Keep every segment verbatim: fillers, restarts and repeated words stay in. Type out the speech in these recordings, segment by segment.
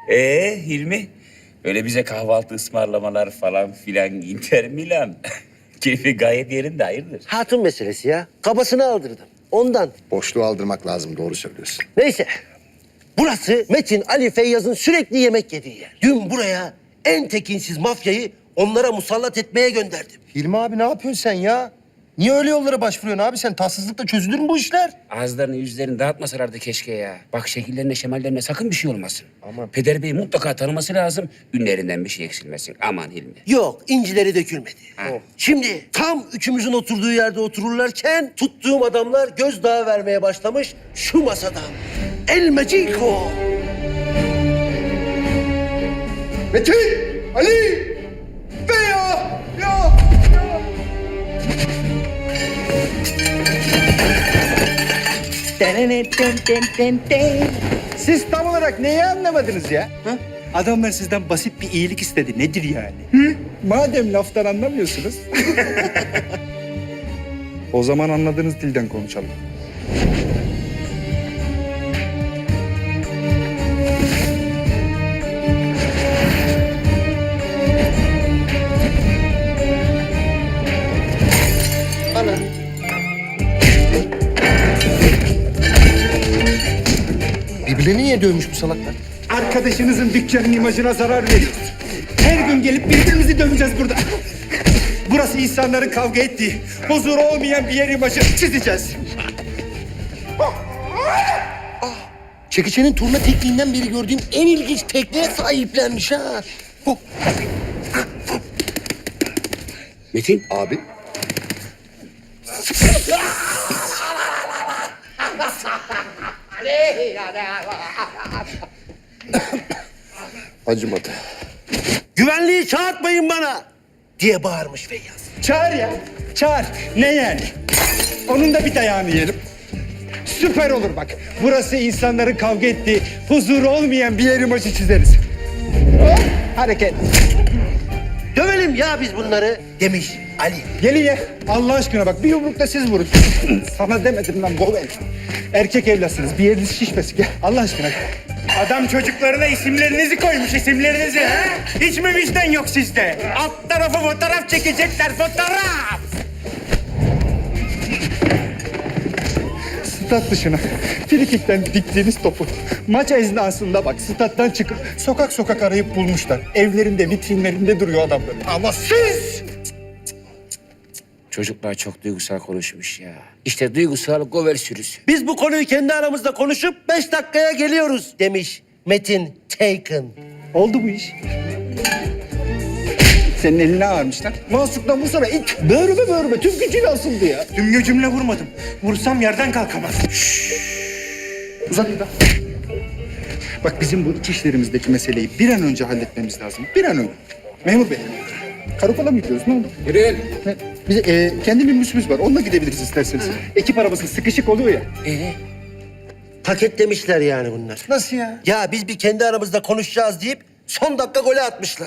Ee Hilmi? Öyle bize kahvaltı ısmarlamalar falan filan Inter Milan. Keyfi gayet yerinde, hayırdır? Hatun meselesi ya. Kabasını aldırdım. Ondan. Boşluğu aldırmak lazım, doğru söylüyorsun. Neyse. Burası Metin, Ali, Feyyaz'ın sürekli yemek yediği yer. Dün buraya en tekinsiz mafyayı onlara musallat etmeye gönderdim. Hilmi abi ne yapıyorsun sen ya? Niye öyle yollara başvuruyorsun abi sen? Tatsızlıkla çözülür mü bu işler? Ağızlarını yüzlerini dağıtmasalardı keşke ya. Bak şekillerine şemallerine sakın bir şey olmasın. Aman. Peder Bey'i mutlaka tanıması lazım. Ünlerinden bir şey eksilmesin. Aman Hilmi. Yok, incileri dökülmedi. Ha. Şimdi tam üçümüzün oturduğu yerde otururlarken tuttuğum adamlar gözdağı vermeye başlamış şu masadan. El Magico. Metin! Ali! Be ya! Ya! Siz tam olarak neyi anlamadınız ya? Ha? Adamlar sizden basit bir iyilik istedi. Nedir yani? Hı? Madem laftan anlamıyorsunuz. O zaman anladığınız dilden konuşalım. Ana. Birbirlerini niye dövmüş bu salaklar? Arkadaşınızın dükkanının imajına zarar veriyoruz. Her gün gelip birbirimizi döveceğiz burada. Burası insanların kavga ettiği, huzuru olmayan bir yer imajı çizeceğiz. Çekiçenin turna tekniğinden beri gördüğüm en ilginç tekniğe sahiplenmiş ha. Hop. Metin. Abi. Acımadı. Güvenliği çağırtmayın bana diye bağırmış Feyyaz. Çağır ya, çağır. Ne yani? Onun da bir dayağını yiyelim. Süper olur bak. Burası insanların kavga ettiği, huzuru olmayan bir yer imajı çizeriz. Hop, hareket. Dövelim ya biz bunları demiş Ali. Gelin ya. Allah aşkına bak bir yumrukta siz vurun. Sana demedim lan Govel. Erkek evlatsınız. Bir yeriniz şişmesin. Gel Allah aşkına. Adam çocuklarına isimlerinizi koymuş, isimlerinizi. Ha? Hiç mi vicdan yok sizde? Alt tarafı fotoğraf çekecekler, fotoğraf. Stat dışına, frikikten diktiğiniz topu maç esnasında bak stat'tan çıkıp sokak sokak arayıp bulmuşlar. Evlerinde, vitrinlerinde duruyor adamlar. Ama siz... Çocuklar çok duygusal konuşmuş ya. İşte duygusal gover sürüsü. Biz bu konuyu kendi aramızda konuşup beş dakikaya geliyoruz demiş Metin Taken. Oldu bu iş. Senin eline ağırmışlar. Mansuk'tan vursana it. Böğrüme böğrüme tüm gücüyle asıldı ya. Tüm gücümle vurmadım. Vursam yerden kalkamaz. Uzat bir bak. Bak bizim bu iç işlerimizdeki meseleyi bir an önce halletmemiz lazım. Bir an önce. Memur bey. Karakola mı gidiyoruz? Ne oldu? Yürüyün. Ne? Bize e, kendi minibüsümüz var. Onunla gidebiliriz isterseniz. Ekip arabası sıkışık oluyor ya. Ee? Paketlemişler yani bunlar. Nasıl ya? Ya biz bir kendi aramızda konuşacağız deyip son dakika golü atmışlar.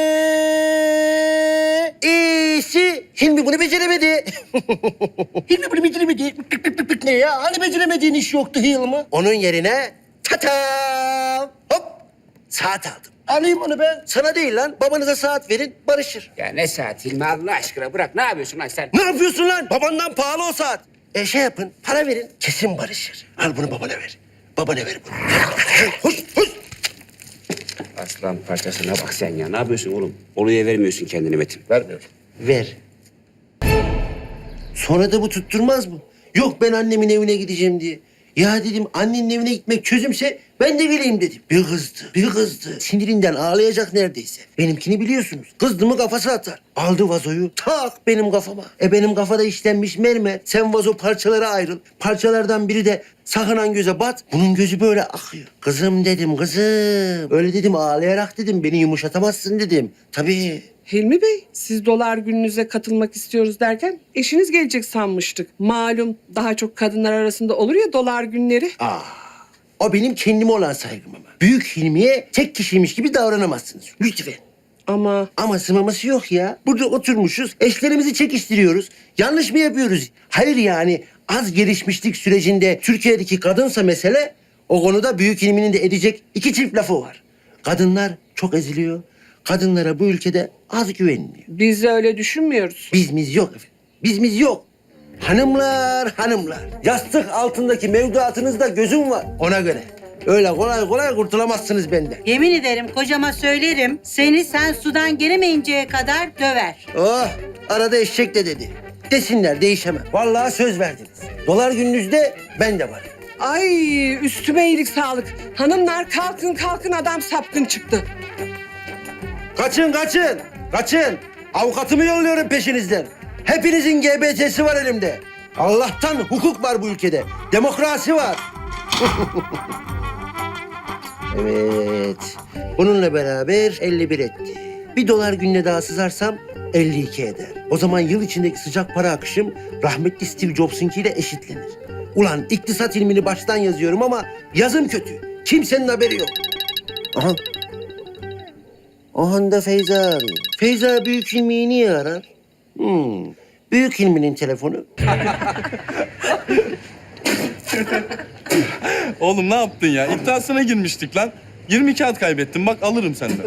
Eee iyisi Hilmi bunu beceremedi. Hilmi bunu beceremedi. Pık pık pık pık ne ya? Hani beceremediğin iş yoktu Hilmi? Onun yerine tatam hop saat aldım. Alayım onu ben. Sana değil lan. Babanıza saat verin barışır. Ya ne saat Hilmi Allah aşkına bırak. Ne yapıyorsun lan sen? Ne yapıyorsun lan? Babandan pahalı o saat. E şey yapın, para verin. Kesin barışır. Al bunu babana ver. Babana ver bunu. Hoş, hoş. Aslan parçasına bak sen ya. Ne yapıyorsun oğlum? Oluya vermiyorsun kendini Metin. Vermiyorum. Ver. Sonra da bu tutturmaz mı? Yok ben annemin evine gideceğim diye. Ya dedim annenin evine gitmek çözümse ben de geleyim dedim. Bir kızdı, bir kızdı. Sinirinden ağlayacak neredeyse. Benimkini biliyorsunuz. Kızdı mı kafası atar. Aldı vazoyu tak benim kafama. E benim kafada işlenmiş mermer. Sen vazo parçalara ayrıl. Parçalardan biri de sakınan göze bat. Bunun gözü böyle akıyor. Kızım dedim kızım. Öyle dedim ağlayarak dedim. Beni yumuşatamazsın dedim. Tabii. Hilmi Bey, siz dolar gününüze katılmak istiyoruz derken eşiniz gelecek sanmıştık. Malum daha çok kadınlar arasında olur ya dolar günleri. Aa, o benim kendime olan saygım ama. Büyük Hilmi'ye tek kişiymiş gibi davranamazsınız. Lütfen. Ama Aması maması yok ya. Burada oturmuşuz, eşlerimizi çekiştiriyoruz. Yanlış mı yapıyoruz? Hayır yani az gelişmişlik sürecinde Türkiye'deki kadınsa mesele, o konuda Büyük Hilmi'nin de edecek iki çift lafı var. Kadınlar çok eziliyor. Kadınlara bu ülkede az güveniliyor. Biz de öyle düşünmüyoruz. Bizimiz yok efendim. Bizimiz yok. Hanımlar, hanımlar. Yastık altındaki mevduatınızda gözüm var. Ona göre. Öyle kolay kolay kurtulamazsınız benden. Yemin ederim kocama söylerim. Seni sen sudan gelemeyinceye kadar döver. Oh, arada eşek de dedi. Desinler, değişemem. Vallahi söz verdiniz. Dolar gününüzde ben de varım. Ay üstüme iyilik sağlık. Hanımlar kalkın kalkın adam sapkın çıktı. Kaçın, kaçın, kaçın. Avukatımı yolluyorum peşinizden. Hepinizin G B T'si var elimde. Allah'tan hukuk var bu ülkede. Demokrasi var. Evet. Bununla beraber elli bir etti. Bir dolar gününe daha sızarsam elli iki eder. O zaman yıl içindeki sıcak para akışım rahmetli Steve Jobs'unkiyle eşitlenir. Ulan iktisat ilmini baştan yazıyorum ama yazım kötü. Kimsenin haberi yok. Aha. Aha da Feyza arıyor. Feyza Büyük İlmi'yi niye arar? Hmm. Büyük İlmi'nin telefonu. Oğlum ne yaptın ya? İddiasına girmiştik lan. yirmi kağıt kaybettim. Bak alırım senden.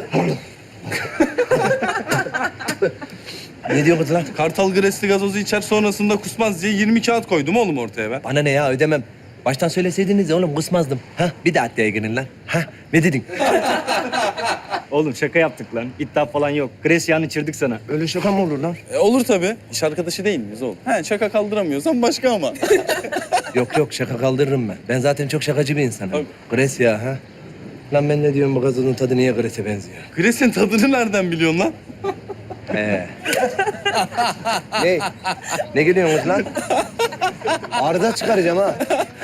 Ne diyorsun lan? Kartal Gresli gazozu içer sonrasında kusmaz diye yirmi kağıt koydum oğlum ortaya ben. Bana ne ya ödemem. Baştan söyleseydiniz ya oğlum kısmazdım. Ha bir de adliye girin lan. Ha ne dedin? Oğlum şaka yaptık lan. İddia falan yok. Gresya'nı çırdık sana. Öyle şaka mı olur lan? E, olur tabii. İş arkadaşı değil miyiz oğlum? He şaka kaldıramıyorsan başka ama. Yok yok şaka kaldırırım ben. Ben zaten çok şakacı bir insanım. Tabii. Gres ya ha. Lan ben ne diyorum bu gazozun tadı niye Gres'e benziyor? Gres'in tadını nereden biliyorsun lan? He. ne? Ne gülüyorsunuz lan? Arda çıkaracağım ha.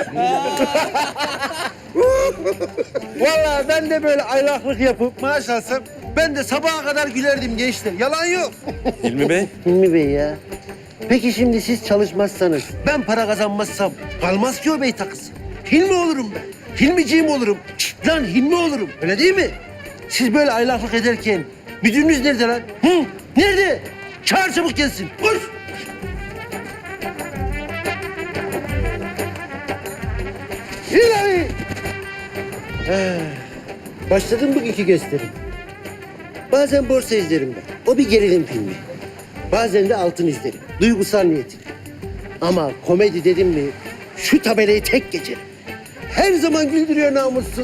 Vallahi ben de böyle aylaklık yapıp maaş alsam ben de sabaha kadar gülerdim gençler. Yalan yok. Hilmi Bey. Hilmi Bey ya. Peki şimdi siz çalışmazsanız, ben para kazanmazsam kalmaz ki o bey takısı. Hilmi olurum ben. Hilmiciğim olurum. Şşt lan Hilmi olurum. Öyle değil mi? Siz böyle aylaklık ederken müdürünüz nerede lan? Hı? Nerede? Çağır çabuk gelsin. Koş. İlahi. He. Başladım bugünkü gösterim. Bazen borsa izlerim ben. O bir gerilim filmi. Bazen de altın izlerim. Duygusal niyetine. Ama komedi dedim mi şu tabelayı tek geçerim. Her zaman güldürüyor namussuz.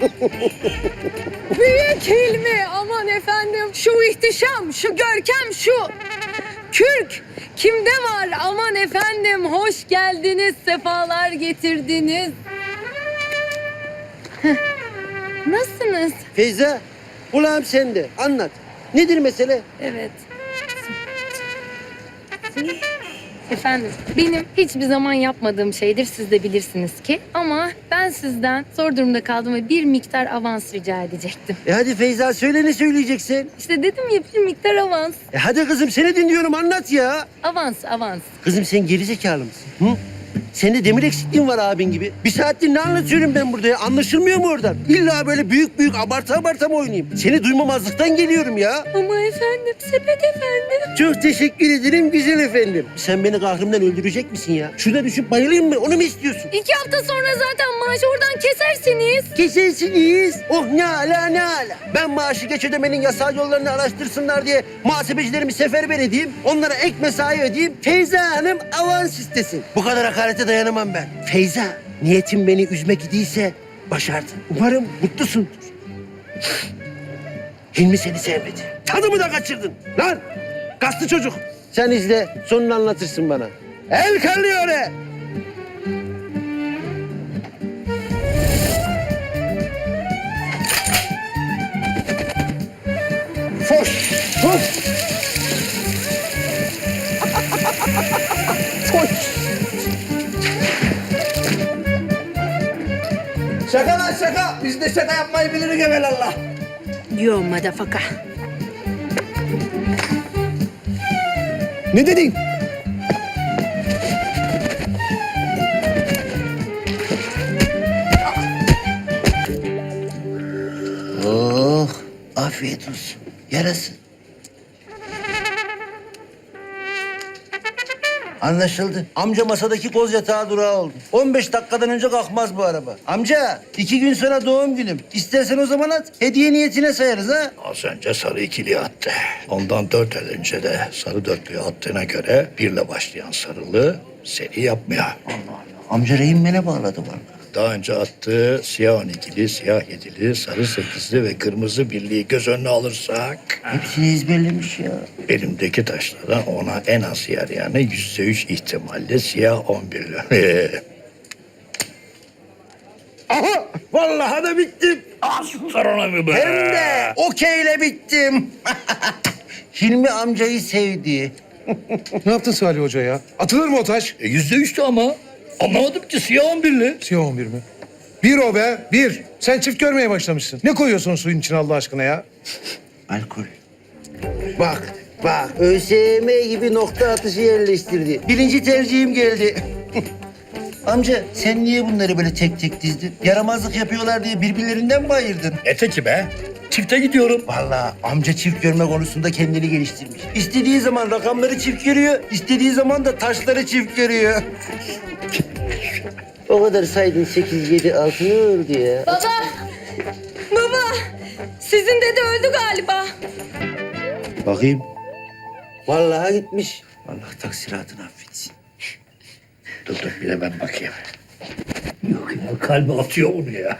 Büyük Hilmi, aman efendim şu ihtişam, şu görkem, şu kürk kimde var? Aman efendim hoş geldiniz, sefalar getirdiniz. Heh, nasılsınız? Feyza, kulağım sende. Anlat. Nedir mesele? Evet. Efendim, benim hiçbir zaman yapmadığım şeydir, siz de bilirsiniz ki. Ama ben sizden zor durumda kaldım ve bir miktar avans rica edecektim. E hadi Feyza söyle ne söyleyeceksin? İşte dedim ya bir miktar avans. E hadi kızım seni dinliyorum anlat ya. Avans, avans. Kızım sen gerizekalı mısın? Hı? Sende demir eksikliğin var abin gibi. Bir saattir ne anlatıyorum ben burada ya? Anlaşılmıyor mu oradan? İlla böyle büyük büyük abartı abartı mı oynayayım? Seni duymamazlıktan geliyorum ya. Ama efendim, sepet efendim. Çok teşekkür ederim güzel efendim. Sen beni kahrımdan öldürecek misin ya? Şurada düşüp bayılayım mı? Onu mu istiyorsun? İki hafta sonra zaten maaşı oradan kesersiniz. Kesersiniz. Oh ne ala ne ala. Ben maaşı geç ödemenin yasal yollarını araştırsınlar diye muhasebecilerimi seferber edeyim. Onlara ek mesai ödeyeyim. Feyza Hanım avans istesin. Bu kadar hakarete dayanamam ben. Feyza, niyetin beni üzmek idiyse başardın. Umarım mutlusundur. Hilmi seni sevmedi. Tadımı da kaçırdın. Lan kaslı çocuk. Sen izle, sonunu anlatırsın bana. El kallıyor. Foş, foş. Foş. Şaka lan şaka. Biz de şaka yapmayı biliriz evelallah. Yo madafaka. Ne dedin? Oh, afiyet olsun. Yarasın. Anlaşıldı. Amca masadaki koz yatağı durağı oldu. on beş dakikadan önce kalkmaz bu araba. Amca iki gün sonra doğum günüm. İstersen o zaman at. Hediye niyetine sayarız ha. Az önce sarı ikili attı. Ondan dört el önce de sarı dörtlüğü attığına göre birle başlayan sarılı seri yapmıyor. Amca rehinmene bağladı vallahi. Daha önce attığı siyah on ikili, siyah yedili, sarı sekizli ve kırmızı birliği göz önüne alırsak... Hepsini ezberlemiş ya. Elimdeki taşlardan ona en az yer yani yüzde üç ihtimalle siyah on birli. Aha! Vallahi da bittim. Aslan mı be? Hem de okeyle bittim. Hilmi amcayı sevdi. Ne yaptın Salih Hoca ya? Atılır mı o taş? E, Yüzde üçtü ama. Anlamadım ki siyah on birli. Siyah on bir mi? Bir o be, bir. Sen çift görmeye başlamışsın. Ne koyuyorsun suyun içine Allah aşkına ya? Alkol. Bak, bak. ÖSYM gibi nokta atışı yerleştirdi. Birinci tercihim geldi. Amca sen niye bunları böyle tek tek dizdin? Yaramazlık yapıyorlar diye birbirlerinden mi ayırdın? Ne teki be? Çifte gidiyorum. Vallahi amca çift görme konusunda kendini geliştirmiş. İstediği zaman rakamları çift görüyor, istediği zaman da taşları çift görüyor. O kadar saydın sekiz, yedi, altı ne oldu ya? Baba! Baba! Sizin dede öldü galiba. Bakayım. Vallahi gitmiş. Allah taksiratını affetsin. Dur dur bir de ben bakayım. Yok ya kalbi atıyor onu ya.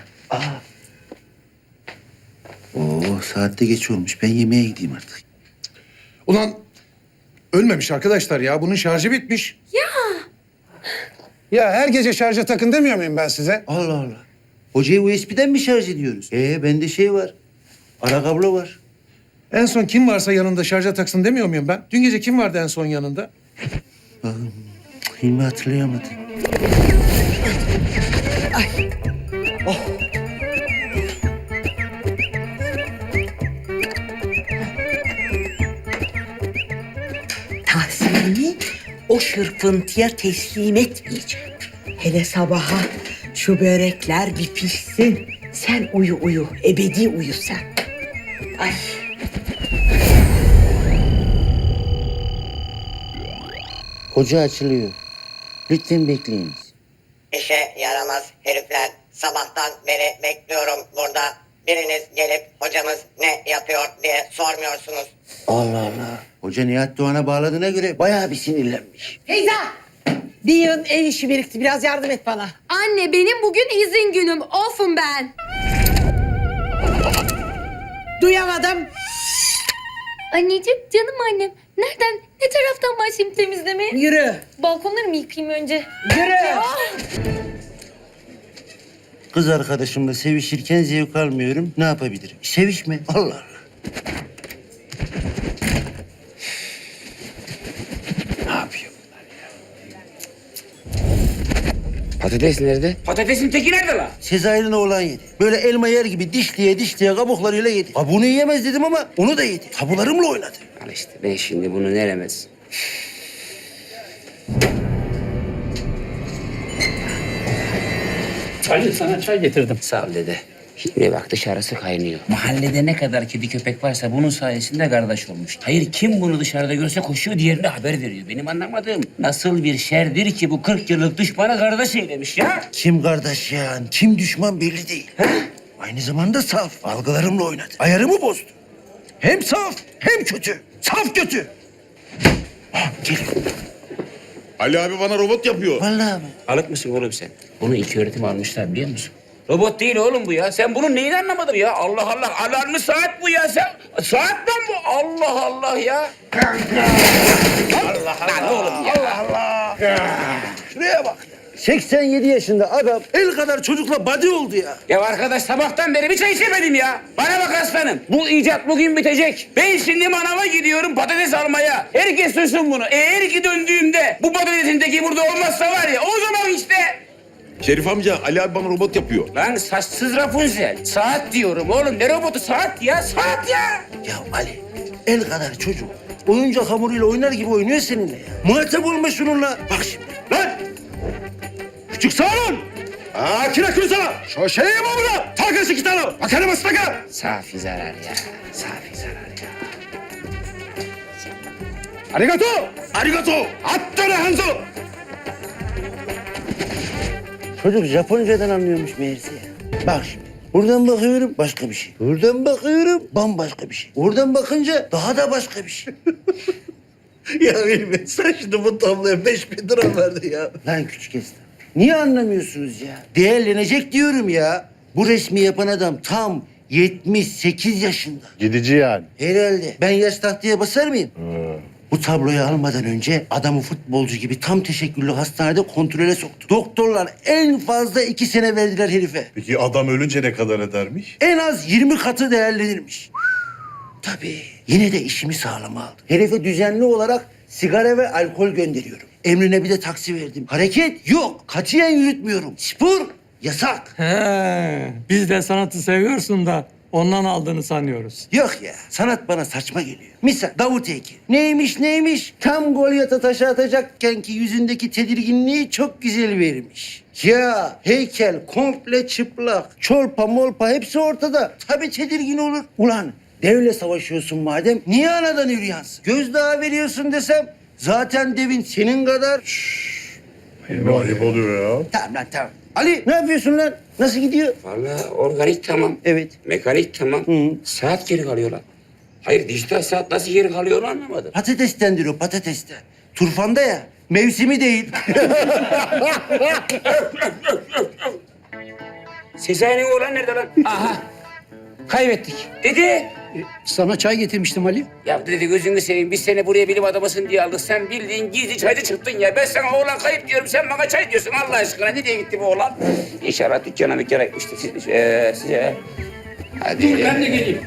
Oo saatte geç olmuş. Ben yemeğe gideyim artık. Ulan ölmemiş arkadaşlar ya. Bunun şarjı bitmiş. Ya. Ya her gece şarja takın demiyor muyum ben size? Allah Allah. Hocayı U S B'den mi şarj ediyoruz? Ee bende şey var. Ara kablo var. En son kim varsa yanında şarja taksın demiyor muyum ben? Dün gece kim vardı en son yanında? Bakın. Hilmi hatırlayamadı. Tahsin'i o şırfıntıya teslim etmeyeceğim. Hele sabaha şu börekler bir pişsin. Sen uyu uyu, ebedi uyu sen. Ay. Hoca açılıyor. Lütfen bekleyiniz. İşe yaramaz herifler. Sabahtan beri bekliyorum burada. Biriniz gelip hocamız ne yapıyor diye sormuyorsunuz. Allah Allah. Hoca Nihat Doğan'a bağladığına göre bayağı bir sinirlenmiş. Feyza! Bir yığın ev işi birikti. Biraz yardım et bana. Anne benim bugün izin günüm. Off'um ben. Duyamadım. Anneciğim, canım annem. Nereden, ne taraftan başlayayım temizlemeye? Yürü. Balkonları mı yıkayayım önce? Yürü. Kız arkadaşımla sevişirken zevk almıyorum. Ne yapabilirim? Sevişme. Allah Allah. Ne yapıyor bunlar ya? Patates nerede? Patatesin teki nerede lan? Sezai'nin oğlan yedi. Böyle elma yer gibi dişliye dişliye kabuklarıyla yedi. Kabuğunu yiyemez dedim ama onu da yedi. Tabularımla oynadı. Al işte ben şimdi bunu neremez? Ali sana çay getirdim. Sağ ol dede. Şimdi bak dışarısı kaynıyor. Mahallede ne kadar kedi köpek varsa bunun sayesinde kardeş olmuş. Hayır kim bunu dışarıda görse koşuyor diğerine haber veriyor. Benim anlamadığım nasıl bir şerdir ki bu kırk yıllık düşmanı kardeş eylemiş ya? Kim kardeş ya? Kim düşman belli değil. Aynı zamanda saf. Algılarımla oynadı. Ayarımı bozdu. Hem saf hem kötü. Saf kötü. Ah, geliyor. Ali abi bana robot yapıyor. Vallahi mi? Alık mısın oğlum sen? Bunu iki öğretim almışlar biliyor musun? Robot değil oğlum bu ya. Sen bunun neyini anlamadın ya? Allah Allah. Alarmlı saat bu ya sen. Saat lan bu. Allah Allah ya. Allah Allah. Lan oğlum ya. Allah Allah. Şuraya bak. seksen yedi yaşında adam el kadar çocukla body oldu ya. Ya arkadaş sabahtan beri bir çay içemedim ya. Bana bak aslanım. Bu icat bugün bitecek. Ben şimdi manava gidiyorum patates almaya. Herkes duysun bunu. Eğer ki döndüğümde bu patatesin teki burada olmazsa var ya o zaman işte. Şerif amca Ali abi bana robot yapıyor. Lan saçsız Rapunzel. Saat diyorum oğlum. Ne robotu? Saat ya. Saat ya. Ya Ali el kadar çocuk oyuncak hamuruyla oynar gibi oynuyor seninle ya. Muhatap olma şununla. Bak şimdi lan. Küçük sağ olun. Aa kira kursana. Şu şeyi mi burada? Takası iki tane. Bakarım ıslaka. Safi zarar ya. Safi zarar ya. Arigato! Arigato! Attene Hanzo! Çocuk Japoncadan anlıyormuş meğerse ya. Bak şimdi. Buradan bakıyorum başka bir şey. Buradan bakıyorum bambaşka bir şey. Oradan bakınca daha da başka bir şey. Ya benim sen şimdi bu tabloya beş bin lira verdi ya. Lan küçük esnaf. Niye anlamıyorsunuz ya? Değerlenecek diyorum ya. Bu resmi yapan adam tam yetmiş sekiz yaşında. Gidici yani. Herhalde. Ben yaş tahtaya basar mıyım? Bu tabloyu almadan önce adamı futbolcu gibi tam teşekküllü hastanede kontrole soktu. Doktorlar en fazla iki sene verdiler herife. Peki adam ölünce ne kadar edermiş? En az yirmi katı değerlenirmiş. Tabii. Yine de işimi sağlama aldım. Herife düzenli olarak sigara ve alkol gönderiyorum. Emrine bir de taksi verdim. Hareket yok. Katiyen yürütmüyorum. Spor yasak. He, biz de sanatı seviyorsun da ondan aldığını sanıyoruz. Yok ya. Sanat bana saçma geliyor. Misal Davut heykeli. Neymiş neymiş? Tam Golyat'a taşı atacakken ki yüzündeki tedirginliği çok güzel vermiş. Ya heykel komple çıplak. Çolpa molpa hepsi ortada. Tabii tedirgin olur. Ulan devle savaşıyorsun madem niye anadan yürüyansın? Gözdağı veriyorsun desem zaten devin senin kadar. Ne ayıp oluyor ya. Tamam lan tamam. Ali ne yapıyorsun lan? Nasıl gidiyor? Vallahi organik tamam. Evet. Mekanik tamam. Hı. Saat geri kalıyor lan. Hayır dijital saat nasıl geri kalıyor onu anlamadım. Patatestendir o patatesten. Turfanda ya. Mevsimi değil. Sezai'nin oğlan nerede lan? Aha. Kaybettik. Dede. Sana çay getirmiştim Ali. Ya dedi gözünü seveyim biz seni buraya bilim adamısın diye aldık. Sen bildiğin gizli çaycı çıktın ya. Ben sana oğlan kayıp diyorum sen bana çay diyorsun Allah aşkına. Nereye gitti bu oğlan? İnşallah dükkana mükkana gitmişti. Siz, ee, size. Hadi. Dur ben de geleyim.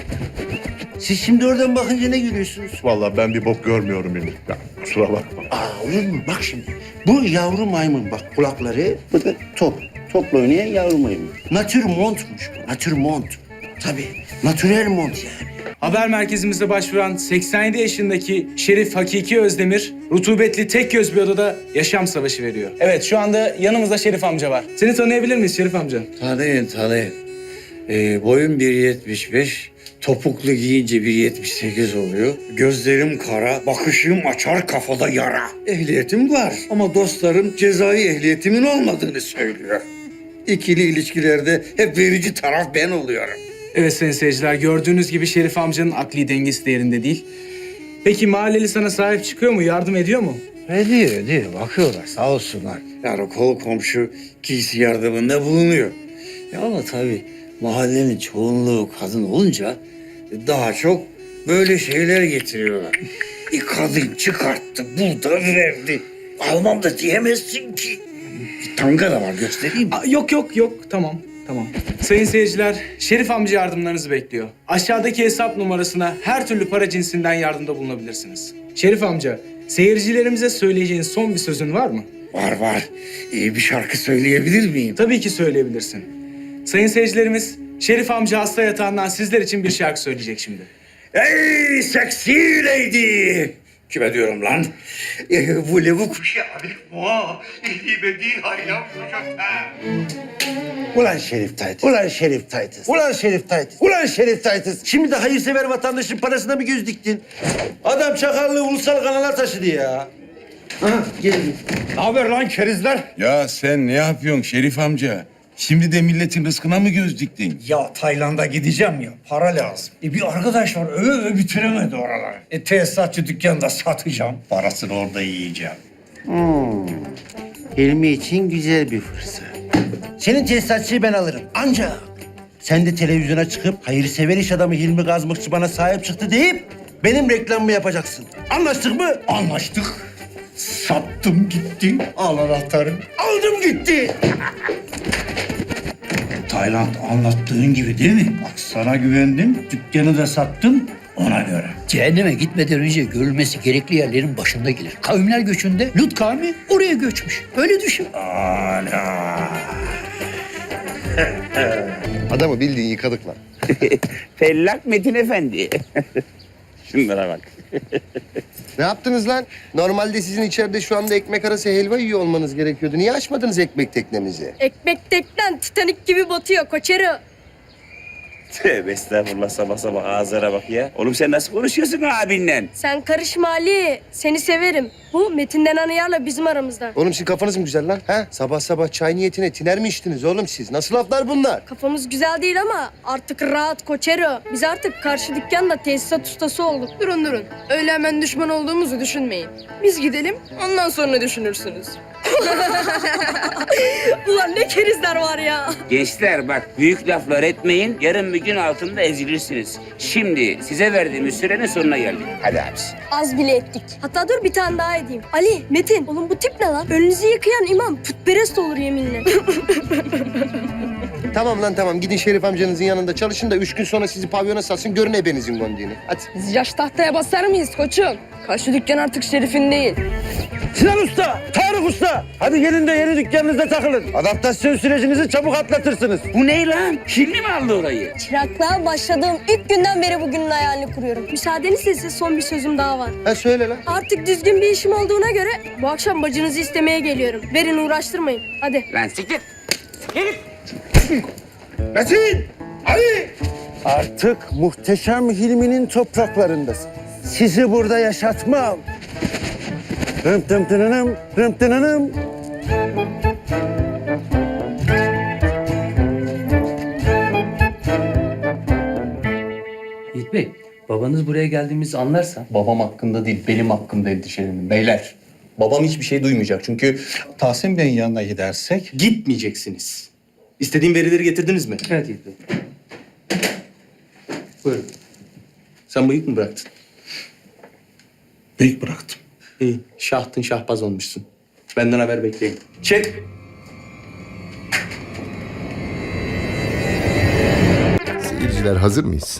Siz şimdi oradan bakınca ne görüyorsunuz? Vallahi ben bir bok görmüyorum yine. Ya, kusura bakma. Aa olur mu? Bak şimdi. Bu yavru maymun bak kulakları. Bu da top. Topla oynayan yavru maymun. Natürmontmuş bu. Natürmont. Tabii. Natürel mont yani. Haber merkezimize başvuran seksen yedi yaşındaki Şerif Hakiki Özdemir, rutubetli tek göz bir odada yaşam savaşı veriyor. Evet, şu anda yanımızda Şerif amca var. Seni tanıyabilir miyiz Şerif amca? Tanıyın tanıyın. Ee, boyum bir yetmiş beş, topuklu giyince bir yetmiş sekiz oluyor. Gözlerim kara, bakışım açar kafada yara. Ehliyetim var ama dostlarım cezai ehliyetimin olmadığını söylüyor. İkili ilişkilerde hep verici taraf ben oluyorum. Evet sayın seyirciler, gördüğünüz gibi Şerif amcanın akli dengesi de yerinde değil. Peki mahalleli sana sahip çıkıyor mu, yardım ediyor mu? Ediyor, ediyor. Bakıyorlar sağ olsunlar. Yani kol komşu giysi yardımında bulunuyor. Ya ama tabii mahallenin çoğunluğu kadın olunca daha çok böyle şeyler getiriyorlar. Bir kadın çıkarttı, burada verdi. Almam da diyemezsin ki. Bir tanga da var, göstereyim mi? Aa, yok yok yok, tamam. Tamam. Sayın seyirciler, Şerif amca yardımlarınızı bekliyor. Aşağıdaki hesap numarasına her türlü para cinsinden yardımda bulunabilirsiniz. Şerif amca, seyircilerimize söyleyeceğin son bir sözün var mı? Var var. İyi bir şarkı söyleyebilir miyim? Tabii ki söyleyebilirsin. Sayın seyircilerimiz, Şerif amca hasta yatağından sizler için bir şarkı söyleyecek şimdi. Ey seksi lady! Kime diyorum lan? Ee, bu levu kuşu avec moi. İhibedi haylam kuşakta. Ulan Şerif Taytız. Ulan Şerif Taytız. Ulan Şerif Taytız. Ulan Şerif Taytız. Şimdi de hayırsever vatandaşın parasına mı göz diktin? Adam çakallığı ulusal kanala taşıdı ya. Aha gelin. Ne haber lan kerizler? Ya sen ne yapıyorsun Şerif amca? Şimdi de milletin rızkına mı göz diktin? Ya Tayland'a gideceğim ya, para lazım. E bir arkadaş var, öve öve bitiremedi oraları. E tesisatçı dükkanında satacağım, parasını orada yiyeceğim. Hmm. Hilmi için güzel bir fırsat. Senin tesisatçıyı ben alırım. Ancak sen de televizyona çıkıp hayırsever iş adamı Hilmi Gazmıkçı bana sahip çıktı deyip benim reklamımı yapacaksın. Anlaştık mı? Anlaştık. Sattım gitti. Al anahtarı. Aldım gitti. Tayland anlattığın gibi değil mi? Bak sana güvendim, dükkanı da sattım ona göre. Cehenneme gitmeden önce görülmesi gerekli yerlerin başında gelir. Kavimler göçünde Lut kavmi oraya göçmüş. Öyle düşün. Ana. Adamı bildiğin yıkadık lan. Fellak Metin Efendi. Şunlara bak. Ne yaptınız lan? Normalde sizin içeride şu anda ekmek arası helva yiyor olmanız gerekiyordu. Niye açmadınız ekmek teknemizi? Ekmek teknen Titanik gibi batıyor koçero. Tövbe estağfurullah sabah sabah ağızlara bak ya. Oğlum sen nasıl konuşuyorsun abinle? Sen karışma Ali. Seni severim. Bu Metin denen ayarla bizim aramızda. Oğlum sizin kafanız mı güzel lan? Ha? Sabah sabah çay niyetine tiner mi içtiniz oğlum siz? Nasıl laflar bunlar? Kafamız güzel değil ama artık rahat Koçero. Biz artık karşı dükkanda tesisat ustası olduk. Durun durun. Öyle hemen düşman olduğumuzu düşünmeyin. Biz gidelim, ondan sonra düşünürsünüz. Ulan ne kerizler var ya. Gençler bak büyük laflar etmeyin. Yarın bir gün altında ezilirsiniz. Şimdi size verdiğimiz sürenin sonuna geldik. Hadi abisi. Az bile ettik. Hatta dur bir tane daha edeyim. Ali, Metin. Oğlum bu tip ne lan? Önünüzü yıkayan imam putperest olur yeminle. Tamam lan tamam. Gidin Şerif amcanızın yanında çalışın da üç gün sonra sizi pavyona satsın. Görün ebenizin gondiğini. Hadi. Biz yaş tahtaya basar mıyız koçum? Karşı dükkan artık Şerif'in değil. Sinan Usta, Tarık Usta. Hadi gelin de yeni dükkanınızda takılın. Adaptasyon sürecinizi çabuk atlatırsınız. Bu ne lan? Hilmi mi aldı orayı? Çıraklığa başladığım ilk günden beri bugünün hayalini kuruyorum. Müsaadenizle size son bir sözüm daha var. Ha söyle lan. Artık düzgün bir işim olduğuna göre bu akşam bacınızı istemeye geliyorum. Verin uğraştırmayın. Hadi. Lan siktir. Metin! Ali! Artık muhteşem Hilmi'nin topraklarındasın. Sizi burada yaşatmam. Rım tım tınınım, rım tınınım. Yiğit Bey, babanız buraya geldiğimizi anlarsa... Babam hakkında değil, benim hakkımda endişelenin beyler. Babam hiçbir şey duymayacak çünkü Tahsin Bey'in yanına gidersek... gitmeyeceksiniz. İstediğim verileri getirdiniz mi? Evet Yiğit Bey. Buyurun. Sen bıyık mı bıraktın? Bıyık bıraktım. İyi, şahtın şahbaz olmuşsun. Benden haber bekleyin. Çek! Seyirciler hazır mıyız?